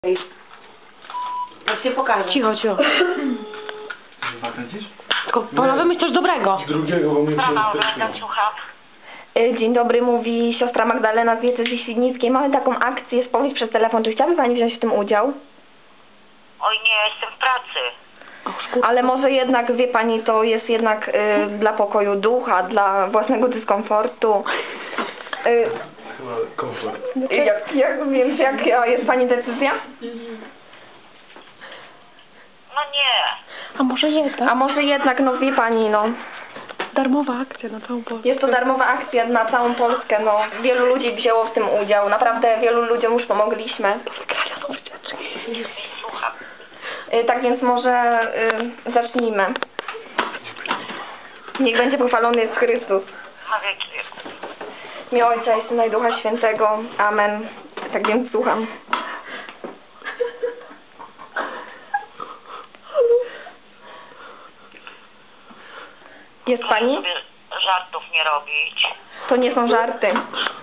Jak się pokaże. Cicho, cicho. Nakręcisz? Tylko Paula, wymyśl coś dobrego. Z drugiego, bo mnie Brawa, się słucham. Dzień dobry, mówi siostra Magdalena z diecezji świdnickiej. Mamy taką akcję, spowiedź przez telefon. Czy chciałaby Pani wziąć w tym udział? Oj nie, jestem w pracy. Ale może jednak, wie Pani, to jest jednak dla pokoju ducha, dla własnego dyskomfortu. Chyba komfort. Więc jaka jest Pani decyzja? No nie. A może jednak? A może jednak, no wie Pani, no. Darmowa akcja na całą Polskę. Jest to darmowa akcja na całą Polskę, no. Wielu ludzi wzięło w tym udział. Naprawdę wielu ludziom już pomogliśmy. Słucham. Tak więc może zacznijmy. Niech będzie pochwalony jest Chrystus. Na wieki wieków. W imię Ojca i Syna i Ducha Świętego. Amen. Tak więc słucham. Jest Proszę Pani? sobie żartów nie robić. To nie są żarty.